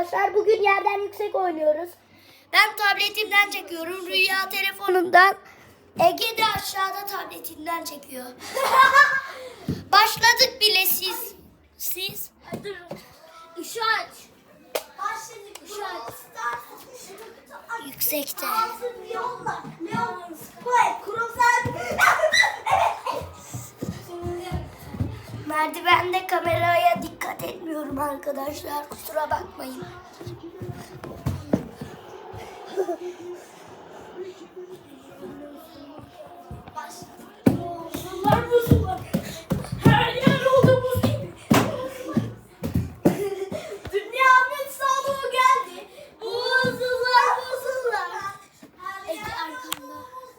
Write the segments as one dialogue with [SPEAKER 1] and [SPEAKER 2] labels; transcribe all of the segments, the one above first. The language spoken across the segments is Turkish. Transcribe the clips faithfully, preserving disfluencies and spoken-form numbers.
[SPEAKER 1] arkadaşlar. Bugün yerden yüksek oynuyoruz. Ben tabletimden çekiyorum. Rüya telefonundan. Ege de aşağıda tabletinden çekiyor. Başladık bile siz. Siz.
[SPEAKER 2] Dur. Işığı aç. Başladık. Işığı aç.
[SPEAKER 1] Yüksekte.
[SPEAKER 2] Yolla. Leon. Spike. Kurumsal. Evet.
[SPEAKER 1] Merdivende kameraya dikkat etmiyorum arkadaşlar. Kusura bakmayın.
[SPEAKER 2] Buzullar buzullar. Her yer oldu buz gibi. Dünyanın sonu geldi. Buzullar buzullar. Ege arkanda.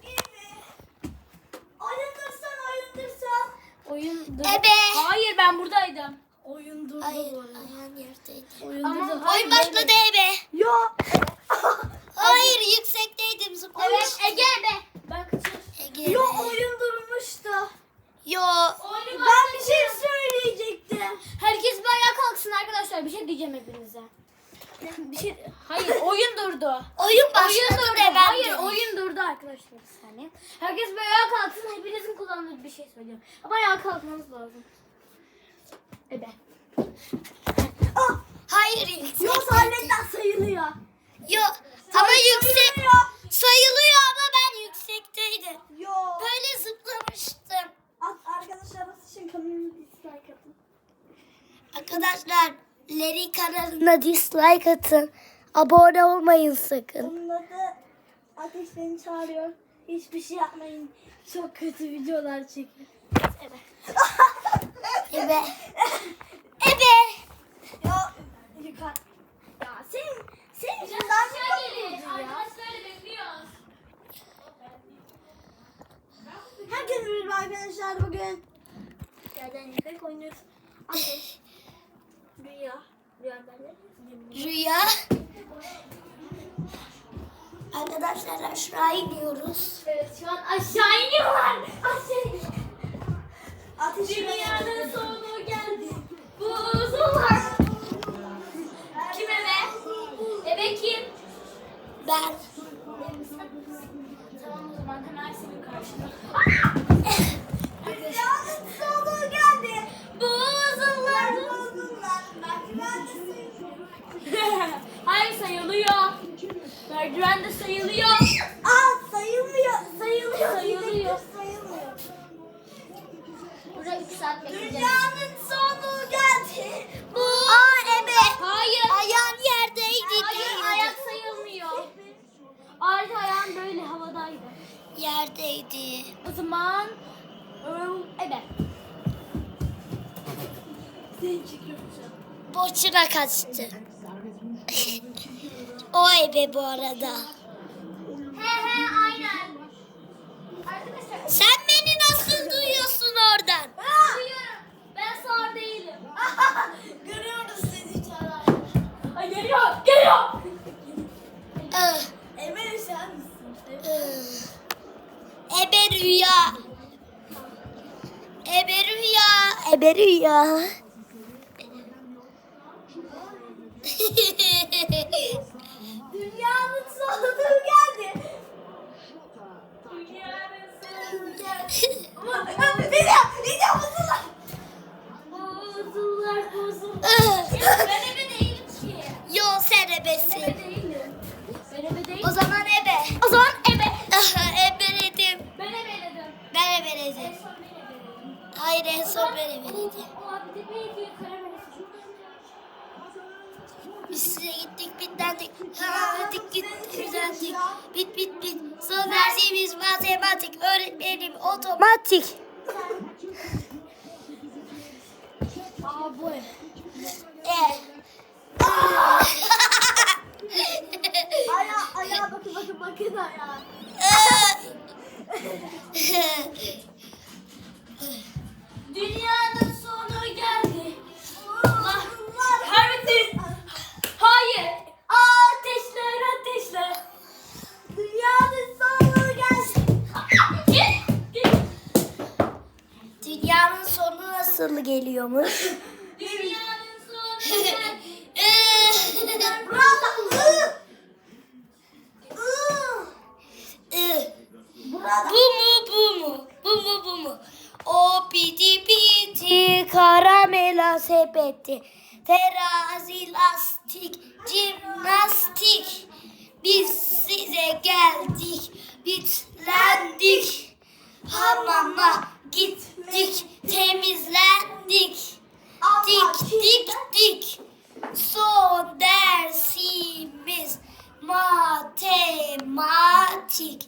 [SPEAKER 2] Oyundursan oyundursan. Oyun dur.
[SPEAKER 1] Ebe.
[SPEAKER 2] Hayır ben buradaydım. Oyun durdu
[SPEAKER 1] Hayır,
[SPEAKER 2] bu arada.
[SPEAKER 1] ayağın yerdeydi.
[SPEAKER 2] Oyun
[SPEAKER 1] Ama
[SPEAKER 2] durdu.
[SPEAKER 1] oyun başladı Ebe.
[SPEAKER 2] Yok.
[SPEAKER 1] Hayır, yüksekteydim. Zıplamış.
[SPEAKER 2] Evet Ege be. Ben kaçır.
[SPEAKER 1] Ege.
[SPEAKER 2] Yok oyun durmuştu.
[SPEAKER 1] Yo.
[SPEAKER 2] Ben bir şey söyleyecektim. Herkes bir ayağa kalksın arkadaşlar. Bir şey diyeceğim hepinize. Bir şey. Hayır oyun durdu.
[SPEAKER 1] Oyun başladı
[SPEAKER 2] Oyun durdu.
[SPEAKER 1] de ben
[SPEAKER 2] Hayır
[SPEAKER 1] de.
[SPEAKER 2] oyun durdu arkadaşlar bir saniye. Herkes bir ayağa kalksın. Hepinizin kullandığı bir şey söyleyeceğim. Ama ayağa kalkmanız lazım. Ebe.
[SPEAKER 1] Oh, hayır yüksekte.
[SPEAKER 2] Yok sahnetten sayılıyor.
[SPEAKER 1] Yo. Ama yüksek
[SPEAKER 2] Sayılıyor.
[SPEAKER 1] sayılıyor ama ben yüksekteydim.
[SPEAKER 2] Yok.
[SPEAKER 1] Böyle zıplamıştım.
[SPEAKER 2] Arkadaşlar nasıl için kanalımı dislike atın.
[SPEAKER 1] Arkadaşlar Leri kanalına dislike atın. Abone olmayın sakın.
[SPEAKER 2] Onun adı Ateş beni çağırıyor. Hiçbir şey yapmayın. Çok kötü videolar çekiyor. Evet.
[SPEAKER 1] Ebe. Ebe.
[SPEAKER 2] Ya yukarı. Ya senin senin yüzünden mi yapıyorsun ya?
[SPEAKER 3] Arkadaşlarla bekliyoruz.
[SPEAKER 2] Herkese merhaba arkadaşlar bugün. Yerden yüksek oynuyoruz. Ateş. Rüya. Rüya derler.
[SPEAKER 1] Rüya. Arkadaşlar aşağı iniyoruz.
[SPEAKER 2] Evet şu an aşağı iniyorlar. Aşağı iniyorlar. Ateş dünyanın sonu geldi. Buzullar. Kim ebe? Ebe kim?
[SPEAKER 1] Ben.
[SPEAKER 2] Tamam o zaman kanal senin karşında. Dünyanın sonu geldi. Buzullar. Buzullar. Hayır sayılıyor. Merdiven de sayılıyor. Aa sayılmıyor. Sayılıyor. Sayılıyor. Sayılmıyor. Burada üç saat bekleyeceğiz. Dünyanın sonu geldi. Bu.
[SPEAKER 1] Aa Ebe.
[SPEAKER 2] Hayır.
[SPEAKER 1] Ayağın yerdeydi.
[SPEAKER 2] Hayır
[SPEAKER 1] değil.
[SPEAKER 2] ayak sayılmıyor. Ayrıca ayağın böyle havadaydı.
[SPEAKER 1] Yerdeydi.
[SPEAKER 2] O zaman ıı, ebe. Seni çekiyorum şu an.
[SPEAKER 1] Boşuna kaçtı. O Ebe bu arada.
[SPEAKER 2] He he aynen. Arkadaşlar.
[SPEAKER 1] Sen beni nasıl duyuyorsun oradan?
[SPEAKER 2] Duyuyorum. Ben sağır değilim. Görüyoruz seni çağlar. Ay geliyor. Geliyor.
[SPEAKER 1] Ah,
[SPEAKER 2] Emel sen misin?
[SPEAKER 1] ah. Ebe Rüya. Ebe Rüya. Ebe Rüya.
[SPEAKER 2] Dünyanın sonu geldi. Dünyanın sonu geldi. Ama bir de bir de buzullar. Buzullar buzullar.
[SPEAKER 1] Ah.
[SPEAKER 2] Ben ebe değilim ki.
[SPEAKER 1] Yo sen ebesin.
[SPEAKER 2] Ebe değilim. Ben ebe değilim.
[SPEAKER 1] O zaman ebe.
[SPEAKER 2] O zaman ebe.
[SPEAKER 1] Ah, ebeledim.
[SPEAKER 2] Ben ebeledim.
[SPEAKER 1] Ben ebeledim.
[SPEAKER 2] En son ben ebeledim.
[SPEAKER 1] Hayır en son ben ebeledim.
[SPEAKER 2] O abi de belki karamelisin.
[SPEAKER 1] Biz size gittik bitlendik. Ha, dik gittik bitlendik. Bit bit bit. Son dersimiz matematik. Öğretmenim otomatik.
[SPEAKER 2] Aa bu ev.
[SPEAKER 1] E.
[SPEAKER 2] Ayağa, ayağa bakın bakın bakın ayağa. Dünyanın sonu geldi. Allah kahretsin. Hayır. Ateşler ateşler. Dünyanın sonu geldi. Git. Git.
[SPEAKER 1] Dünyanın sonu nasıl geliyormuş?
[SPEAKER 2] Dünyanın sonu geldi.
[SPEAKER 1] Dünya sepeti, terazi, lastik, jimnastik. Biz size geldik, bitlendik. Hamama gittik, temizlendik. Dik dik dik. Son dersimiz matematik.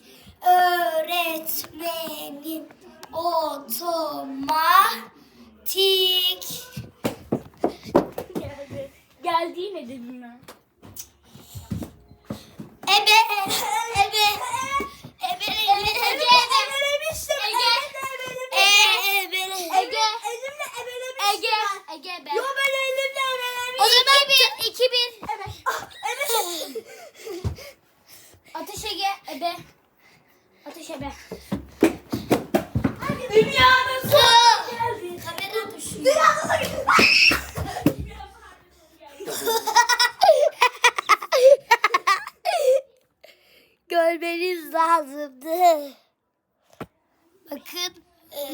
[SPEAKER 1] Öğretmenim otomatik.
[SPEAKER 2] Geldi. Geldi yine dedim ben.
[SPEAKER 1] Ebe, ebe, ebe, ebe, ebe,
[SPEAKER 2] Ebelemiştim.
[SPEAKER 1] ebe, ebe,
[SPEAKER 2] Ege.
[SPEAKER 3] Elimle ebelemiştim.
[SPEAKER 2] Ege. Ege ben.
[SPEAKER 3] Yo ben elimle ebelemiştim.
[SPEAKER 1] O zaman
[SPEAKER 2] iki bir.
[SPEAKER 3] Evet. Ah, evet.
[SPEAKER 2] Ateş Ege. Ebe. Ateş Ebe.
[SPEAKER 3] Dünyanın
[SPEAKER 1] Su.
[SPEAKER 3] sonu geldi.
[SPEAKER 1] Kamera düşüyor.
[SPEAKER 3] Dünyanın sonu geldi.
[SPEAKER 1] Görmeniz lazımdı. Bakın. e,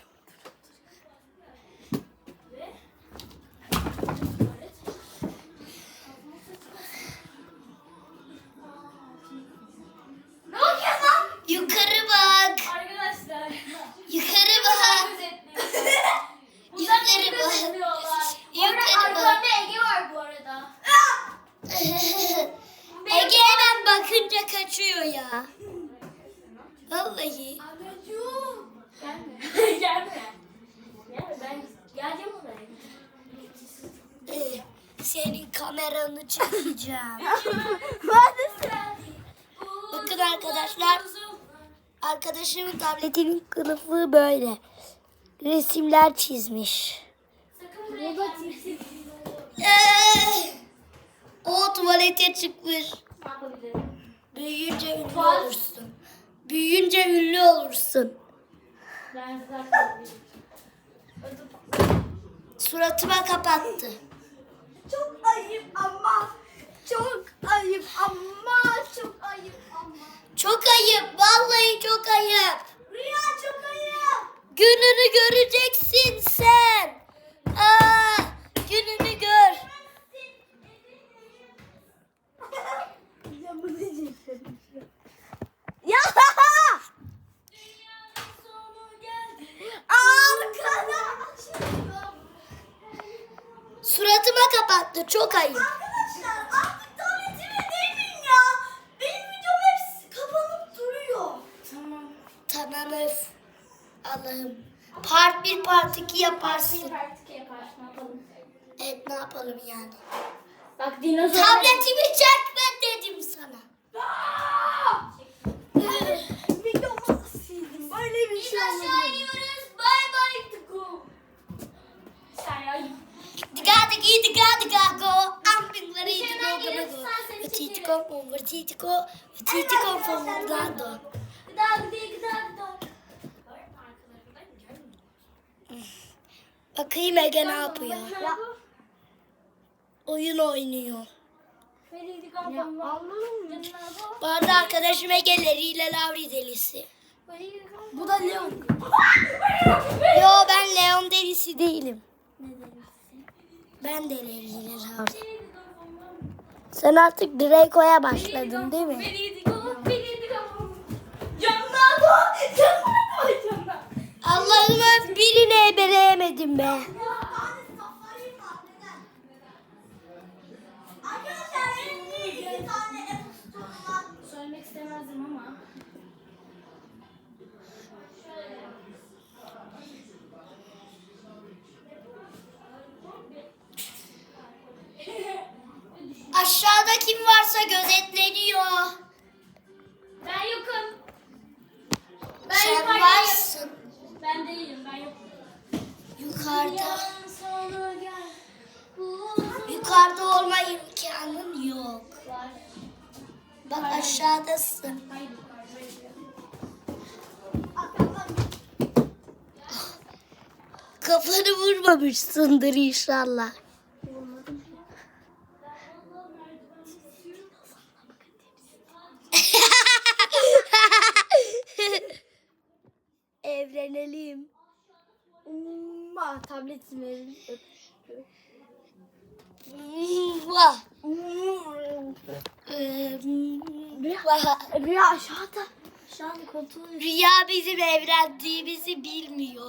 [SPEAKER 3] Ne oluyor lan?
[SPEAKER 1] Yukarı bak.
[SPEAKER 2] Arkadaşlar.
[SPEAKER 1] Yukarı bak. Yukarı bak. Yukarı bak.
[SPEAKER 2] Arkamda Ege var bu arada.
[SPEAKER 1] Ege hemen bakınca kaçıyor ya. Vallahi.
[SPEAKER 3] Anacığım.
[SPEAKER 2] Gelme. Gelme. Gelme ben geleceğim oraya.
[SPEAKER 1] e, Senin kameranı çekeceğim. Bakın arkadaşlar. Arkadaşımın tabletinin kılıfı böyle. Resimler çizmiş. Ee, o tuvalete çıkmış.
[SPEAKER 2] Ne yapabilirim?
[SPEAKER 1] Büyüyünce ünlü olursun. Büyüyünce ünlü olursun.
[SPEAKER 2] Ben zaten
[SPEAKER 1] Suratıma kapattı.
[SPEAKER 3] Çok ayıp ama. Çok ayıp ama. Çok ayıp ama.
[SPEAKER 1] Çok ayıp. Vallahi çok ayıp.
[SPEAKER 3] Rüya çok ayıp.
[SPEAKER 1] Gününü göreceksin sen. Aa, gününü gör.
[SPEAKER 3] Ya bu ne diyeceksin? Ya! Arkadaşlar.
[SPEAKER 1] Suratıma kapattı. Çok ayıp.
[SPEAKER 3] Arkadaşlar artık tabletime değmeyin ya. Benim videom hepsi kapanıp duruyor.
[SPEAKER 2] Tamam.
[SPEAKER 1] Tamam öf. Allah'ım. Part bir part iki yaparsın.
[SPEAKER 2] Artık yapar. Ne yapalım?
[SPEAKER 1] Evet, ne yapalım yani.
[SPEAKER 2] Bak dinozor.
[SPEAKER 1] Tabletimi çekme dedim sana.
[SPEAKER 3] Videomu sildim. Böyle bir şey olmadı.
[SPEAKER 2] iniyoruz. Bye bye. Go. Sen ya.
[SPEAKER 1] Diga digi diga diga go. Amping vari digo
[SPEAKER 2] Dışarıdan
[SPEAKER 1] gama
[SPEAKER 2] gelirsen
[SPEAKER 1] go.
[SPEAKER 2] seni
[SPEAKER 1] Ötiti
[SPEAKER 2] çekerim.
[SPEAKER 1] kom overtiti ko. Ötiti kom formulando.
[SPEAKER 2] Gıda gıda gıda gıda.
[SPEAKER 1] Bakayım Ege ne yapıyor.
[SPEAKER 3] Ya.
[SPEAKER 1] Oyun oynuyor.
[SPEAKER 2] Ya anladım.
[SPEAKER 1] Bu arada arkadaşım Ege ile Lavri delisi.
[SPEAKER 3] Bu da Leon.
[SPEAKER 1] Yo, ben Leon delisi değilim. Ben de Leri ile Lavri. Sen artık Draco'ya başladın değil mi?
[SPEAKER 2] Camdan go. Camdan go. Camdan.
[SPEAKER 1] Allah'ım, birini ebeleyemedim be.
[SPEAKER 3] Arkadaşlar benim niye iki tane Apple Store'um var?
[SPEAKER 2] Söylemek istemezdim ama.
[SPEAKER 1] Aşağıda kim varsa gözetleniyor.
[SPEAKER 2] Ben yokum. Ben
[SPEAKER 1] Sen
[SPEAKER 2] yukarıdayım.
[SPEAKER 1] varsın.
[SPEAKER 2] Ben değilim. Ben yokum.
[SPEAKER 1] Yukarıda.
[SPEAKER 2] Sonu gel.
[SPEAKER 1] Yukarıda olma imkanın yok.
[SPEAKER 2] Var.
[SPEAKER 1] Bak aşağıdasın.
[SPEAKER 2] Hayır yukarıdayım.
[SPEAKER 1] Kafanı vurmamışsındır inşallah. Evlenelim.
[SPEAKER 3] Umma tabletimi
[SPEAKER 1] Vah. Ee, vah.
[SPEAKER 2] Rüya aşağıda. Aşağıda kontrol ediyor.
[SPEAKER 1] Rüya bizim evlendiğimizi bilmiyor.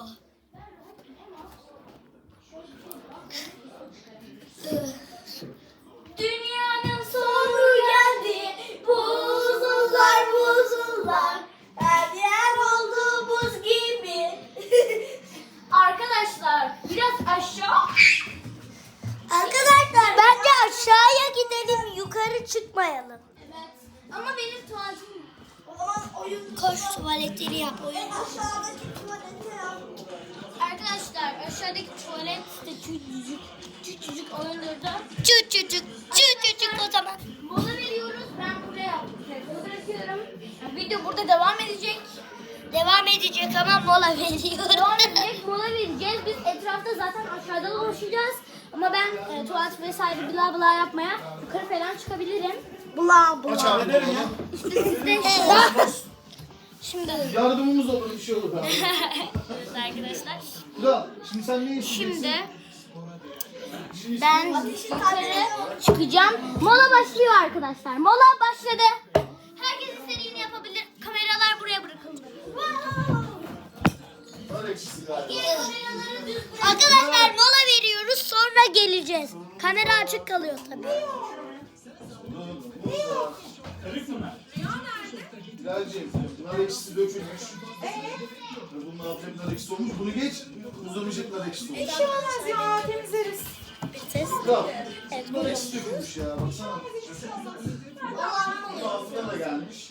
[SPEAKER 3] Dünyanın sonu geldi. Buzullar buzullar. Her yer oldu buz gibi.
[SPEAKER 2] Arkadaşlar biraz aşağı.
[SPEAKER 1] Arkadaşlar bence aşağıya gidelim, yukarı çıkmayalım.
[SPEAKER 2] Evet. Ama benim tuvaletim.
[SPEAKER 3] O zaman oyun
[SPEAKER 1] Koş tuvaletleri yap, oyun.
[SPEAKER 3] aşağıdaki tuvalete yap.
[SPEAKER 2] Arkadaşlar aşağıdaki tuvalet de küçücük. Küçücük oyundurdu.
[SPEAKER 1] Çüçücük, çüçücük o zaman.
[SPEAKER 2] Mola veriyoruz. Ben buraya telefonu bırakıyorum. Yani video burada devam edecek.
[SPEAKER 1] Devam edecek ama mola veriyorum.
[SPEAKER 2] Devam edecek. Mola vereceğiz. Biz etrafta zaten aşağıda dolaşacağız. Ama ben e, tuvalet vesaire bla bla yapmaya yukarı falan çıkabilirim.
[SPEAKER 1] Bula
[SPEAKER 4] Aç abi derim ya.
[SPEAKER 2] İşte siz de
[SPEAKER 1] Şimdi
[SPEAKER 4] Yardımımız olur, bir şey olur abi.
[SPEAKER 2] evet arkadaşlar.
[SPEAKER 4] Kral, şimdi sen ne isteyeceksin?
[SPEAKER 2] Şimdi
[SPEAKER 4] Şimdi
[SPEAKER 2] ben yukarı çıkacağım. Mola başlıyor arkadaşlar. Mola başladı. Herkes istediğini yapabilir. Kameralar buraya bırakıldı.
[SPEAKER 4] var eksisi galiba.
[SPEAKER 2] Kameraları düz bırak.
[SPEAKER 1] arkadaşlar mola veriyoruz, sonra geleceğiz. Kamera açık kalıyor tabii.
[SPEAKER 4] Bilal'ciğim, nar ekşisi dökülmüş. Bunun altında nar ekşisi olmuş. Bunu geç, uzamayacak nar ekşisi olmuş.
[SPEAKER 3] Bir şey olmaz ya, temizleriz.
[SPEAKER 1] Ses.
[SPEAKER 4] Kral, nar ekşisi dökülmüş ya, baksana. Bunun altına da gelmiş.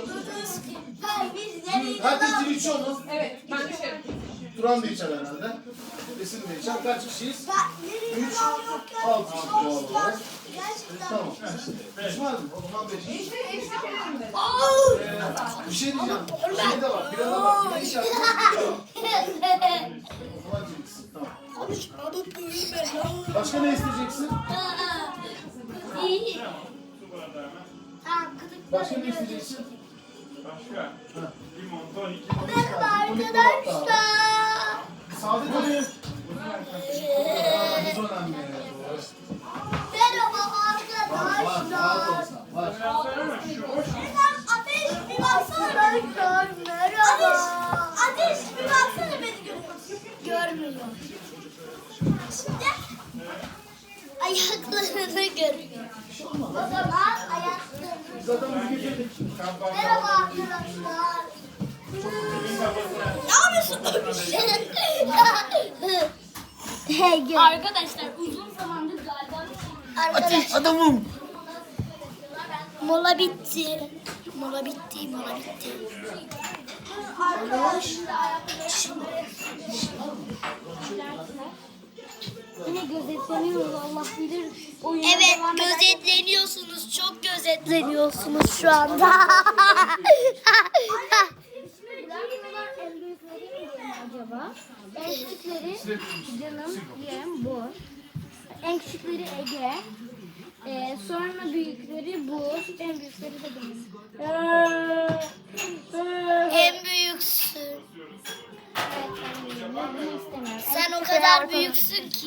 [SPEAKER 3] Biz nereye
[SPEAKER 4] Herkes dil içiyor mu?
[SPEAKER 5] Evet, ben de şey.
[SPEAKER 4] Turan da içer herhalde. Esin de içer. Kaç kişiyiz?
[SPEAKER 3] nereye
[SPEAKER 4] Üç, altı kişi doğal olarak.
[SPEAKER 3] Gerçekten.
[SPEAKER 4] Tamam. Pişman mı? O zaman beş.
[SPEAKER 5] İşte eksik yemedim de.
[SPEAKER 4] Bir şey diyeceğim. Şey de var, bira da var. Bir de içer. O zaman cimrisin. Tamam. Başka ne isteyeceksin?
[SPEAKER 1] İyi. Tamam, gıdık.
[SPEAKER 4] Başka ne isteyeceksin?
[SPEAKER 6] Başka? Limon, tonik.
[SPEAKER 1] Merhaba arkadaşlar.
[SPEAKER 4] Sade tabii. Biz önemli.
[SPEAKER 1] Merhaba
[SPEAKER 4] Var, var, rahat olsa. Var.
[SPEAKER 3] Ateş bir baksana.
[SPEAKER 1] arkadaşlar. Merhaba.
[SPEAKER 3] Ateş bir baksana beni görüyor.
[SPEAKER 1] Görmüyor.
[SPEAKER 3] Şimdi
[SPEAKER 1] Ayaklarını görüyor.
[SPEAKER 3] o zaman ayaklarını.
[SPEAKER 4] Zaten biz getirdik.
[SPEAKER 3] Merhaba arkadaşlar. Ne yapıyorsun?
[SPEAKER 1] Hey, gel.
[SPEAKER 2] Arkadaşlar uzun zamandır galiba bir şey
[SPEAKER 1] Arkadaşlar
[SPEAKER 4] Adamım.
[SPEAKER 1] mola bitti. Mola bitti, mola bitti.
[SPEAKER 2] Yine gözetleniyoruz Allah bilir. Oyuna
[SPEAKER 1] Evet,
[SPEAKER 2] devam eder.
[SPEAKER 1] gözetleniyorsunuz. Çok gözetleniyorsunuz şu anda.
[SPEAKER 2] Bırakmadan en büyükleri mi acaba? En küçükleri canım diyelim bu. En küçükleri Ege. Ee, sonra büyükleri bu. En büyükleri de benim.
[SPEAKER 1] En büyüksün.
[SPEAKER 2] Evet, ben büyüğüm. Ben bunu istemiyorum. En
[SPEAKER 1] Sen o
[SPEAKER 2] küçükleri
[SPEAKER 1] kadar
[SPEAKER 2] ortalık.
[SPEAKER 1] büyüksün ki.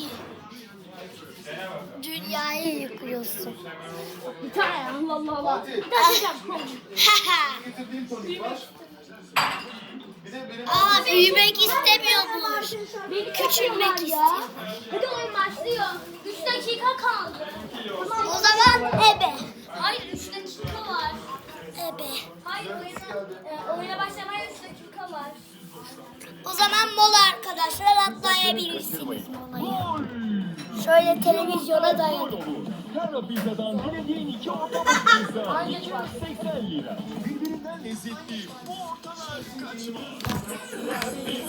[SPEAKER 1] Dünyayı yıkıyorsun.
[SPEAKER 2] Bir tane Allah Allah Allah.
[SPEAKER 4] Fatih.
[SPEAKER 2] Bir tane yapacağım.
[SPEAKER 4] Getirdiğim tonik var. Bir de benim...
[SPEAKER 1] Aa, büyümek istemiyormuş.
[SPEAKER 2] Beni
[SPEAKER 1] Küçülmek
[SPEAKER 2] yapıyorlar
[SPEAKER 1] istiyor.
[SPEAKER 2] Hadi oyun başlıyor. üç dakika kaldı.
[SPEAKER 1] O zaman ebe.
[SPEAKER 2] Hayır üç dakika var.
[SPEAKER 1] Ebe.
[SPEAKER 2] Hayır oyuna, e, oyuna başlamaya üç dakika var.
[SPEAKER 1] O zaman mola arkadaşlar, atlayabilirsiniz molayı. Şöyle televizyona dayanın.
[SPEAKER 7] Kara Pizza'dan dilediğin iki orta boy pizza. iki yüz seksen lira. Birbirinden lezzetli bu ortalar kaçmaz.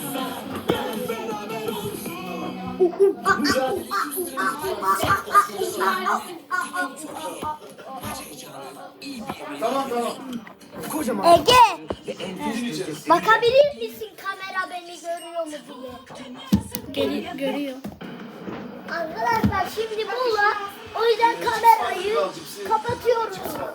[SPEAKER 4] Tamam tamam.
[SPEAKER 1] Ege,
[SPEAKER 4] Bizim içeriz.
[SPEAKER 1] bakabilir misin kamera beni görüyor mu diye? Geri, görüyor. Arkadaşlar şimdi mola. O yüzden kamerayı kapatıyoruz.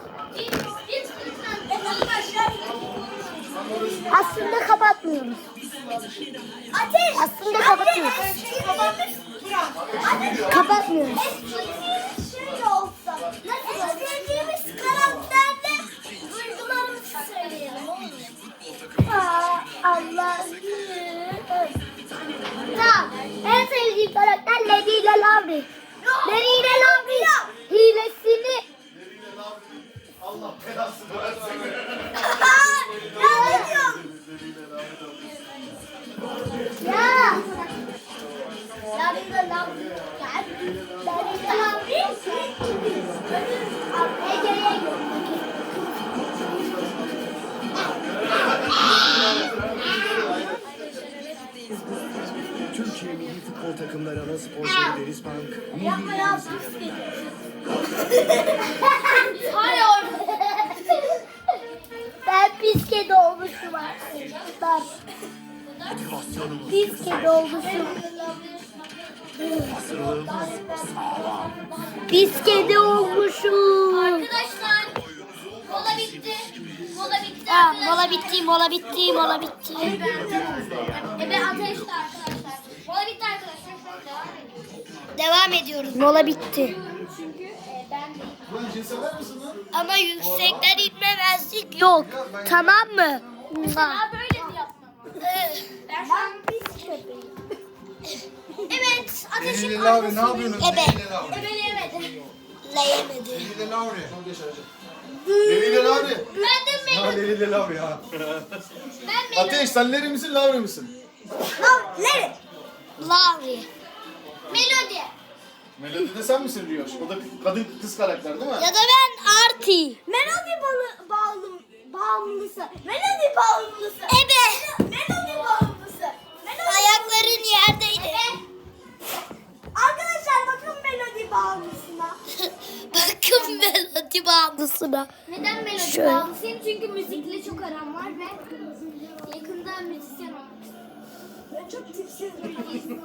[SPEAKER 1] Aslında kapatmıyoruz.
[SPEAKER 3] Ateş.
[SPEAKER 1] Aslında kapatıyoruz.
[SPEAKER 3] Ateş. Ateş.
[SPEAKER 1] etmiyoruz.
[SPEAKER 3] Eskiğimiz şöyle olsa. Nasıl? Eskiğimiz karakterle duygularımızı söyleyelim.
[SPEAKER 1] Aa, Allah'ım. Tamam. En sevdiğim karakter Lady ile Lavri. Lady ile Lavri hilesini
[SPEAKER 4] Deriyle lan. Allah belasını versin.
[SPEAKER 3] Ne diyorsun?
[SPEAKER 4] Deriyle lan.
[SPEAKER 1] ya. Lady ile Lavri. Lady ile Lavri. Ege'ye gör.
[SPEAKER 7] Türkiye Milli Futbol Takımları ana sponsoru Deniz Bank.
[SPEAKER 3] Yapma ya.
[SPEAKER 1] Hayır. Ben pis kedi olmuşum artık. Ben pis kedi olmuşum. Pis kedi olmuşum.
[SPEAKER 2] Arkadaşlar mola bitti. Mola bitti.
[SPEAKER 1] Ha, mola bitti, mola bitti, mola bitti.
[SPEAKER 2] Ebe ateşti arkadaşlar. Mola bitti arkadaşlar. Devam ediyoruz.
[SPEAKER 1] Devam ediyoruz. Mola bitti.
[SPEAKER 2] Çünkü e, ben de
[SPEAKER 4] Ulan cins sever misin lan?
[SPEAKER 1] Ama yüksekten inmemezlik yok. Tamam mı?
[SPEAKER 2] daha böyle mi yapmam? Ben şu an pis köpeğim. Evet, ateşin
[SPEAKER 8] Deliyle Lavri ne yapıyorsunuz?
[SPEAKER 1] Ebe.
[SPEAKER 8] Deliyle Lavri.
[SPEAKER 2] ebeleyemedi.
[SPEAKER 1] Leyemedi.
[SPEAKER 8] Deliyle Lavri.
[SPEAKER 4] Geç Hacı. Deriyle Lavri.
[SPEAKER 2] Ben de
[SPEAKER 8] Ha
[SPEAKER 2] Melody.
[SPEAKER 8] Deliyle Lavri ha.
[SPEAKER 2] Ben Melody.
[SPEAKER 4] Ateş sen Leri misin Lavri misin?
[SPEAKER 3] Leri.
[SPEAKER 1] Lavri.
[SPEAKER 2] Melody.
[SPEAKER 4] Melody de sen misin Riyoş? O da kadın kız karakter değil mi?
[SPEAKER 1] Ya da ben Arti.
[SPEAKER 3] Melodi balı, bağlı, bağımlısı. Melodi bağımlısı.
[SPEAKER 1] Ebe.
[SPEAKER 3] Melodi bağımlısı. Melodi
[SPEAKER 1] Ayakların yerdeydi.
[SPEAKER 3] Arkadaşlar bakın melodi bağımlısına.
[SPEAKER 1] Bakın melodi bağımlısına.
[SPEAKER 2] Neden Melody
[SPEAKER 1] Şöyle.
[SPEAKER 2] bağımlısıyım? Çünkü müzikle çok aram var ve yakında müzisyen olmak istiyorum.
[SPEAKER 3] Ben çok tipsiz bir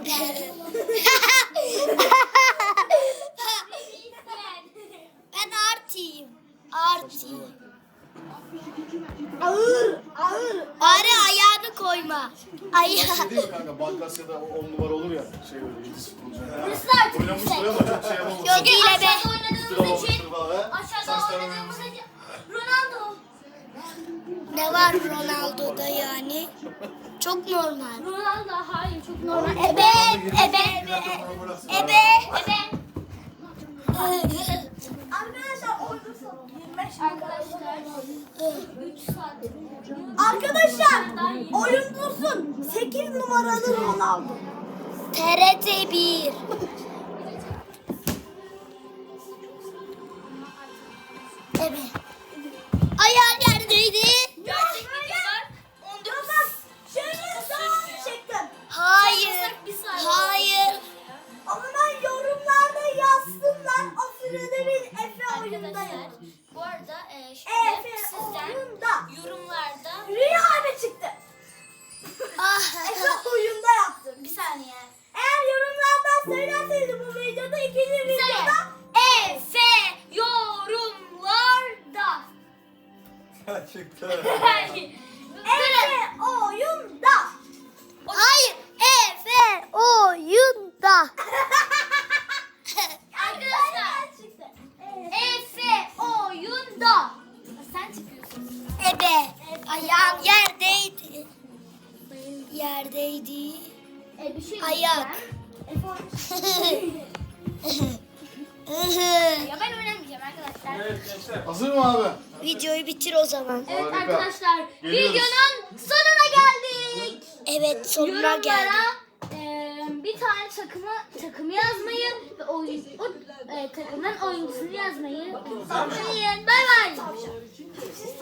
[SPEAKER 1] Ben Arti'yim. Arti.
[SPEAKER 3] Ağır, ağır.
[SPEAKER 1] Bari ayağını koyma. Ayağı.
[SPEAKER 4] Şey değil mi kanka? Balkasya'da o on numara olur ya. Şey böyle yıldız futbolcu.
[SPEAKER 2] Burası da artık
[SPEAKER 4] Oynamıştır
[SPEAKER 2] yüksek.
[SPEAKER 4] ama çok şey yapamamış.
[SPEAKER 1] Yok değil be.
[SPEAKER 2] Aşağıda oynadığımız için,
[SPEAKER 4] Aşağıda
[SPEAKER 2] aşağıda oynadığımız için Ronaldo.
[SPEAKER 1] Ne var Ronaldo'da yani? Çok normal.
[SPEAKER 2] Ronaldo hayır çok normal.
[SPEAKER 1] Ebe, ebe, ebe, ebe.
[SPEAKER 3] Arkadaşlar oyuncusu yirmi beş
[SPEAKER 2] Arkadaşlar üç saat.
[SPEAKER 3] Arkadaşlar oyuncusun sekiz numaralı Ronaldo.
[SPEAKER 1] T R T bir. Ebe. Ayağın yerdeydi.
[SPEAKER 2] Gerçek videolar on dokuz.
[SPEAKER 3] Bak şöyle sağa çektim.
[SPEAKER 1] Hayır.
[SPEAKER 2] Bir saat.
[SPEAKER 1] Hayır.
[SPEAKER 3] O zaman yorumlarda yazsınlar. O sırada bir Efe oyundayım.
[SPEAKER 2] Arkadaşlar bu arada e, şimdi
[SPEAKER 3] Efe
[SPEAKER 2] sizden
[SPEAKER 3] oyunda.
[SPEAKER 2] yorumlarda
[SPEAKER 3] Rüya abi çıktı.
[SPEAKER 1] Ah.
[SPEAKER 3] Efe oyunda yaptım.
[SPEAKER 2] bir saniye.
[SPEAKER 3] Eğer yorumlardan söylerseniz bu videoda ikinci
[SPEAKER 2] Bir saniye.
[SPEAKER 3] videoda
[SPEAKER 2] Efe yorumlarda.
[SPEAKER 8] Çıktı.
[SPEAKER 3] Efe oyunda.
[SPEAKER 1] Hayır. Efe oyunda.
[SPEAKER 2] Arkadaşlar
[SPEAKER 3] çıktı.
[SPEAKER 2] Efe oyunda. Sen çıkıyorsun.
[SPEAKER 1] Ebe. Ayağım yerdeydi. Yerdeydi.
[SPEAKER 2] E, bir şey
[SPEAKER 1] Ayak.
[SPEAKER 2] diyeceğim. Ya ben oynamayacağım arkadaşlar.
[SPEAKER 6] Evet gençler.
[SPEAKER 4] Hazır mı abi?
[SPEAKER 1] Videoyu bitir o zaman.
[SPEAKER 2] Evet
[SPEAKER 4] Harika.
[SPEAKER 2] arkadaşlar
[SPEAKER 4] Geliyoruz.
[SPEAKER 2] videonun sonuna geldik.
[SPEAKER 1] Evet, sonuna
[SPEAKER 2] Yorumlara
[SPEAKER 1] geldik.
[SPEAKER 2] e, bir tane takımı takım yazmayı ve oyun, o e, takımdan oyuncusunu yazmayı unutmayın. Bay bay.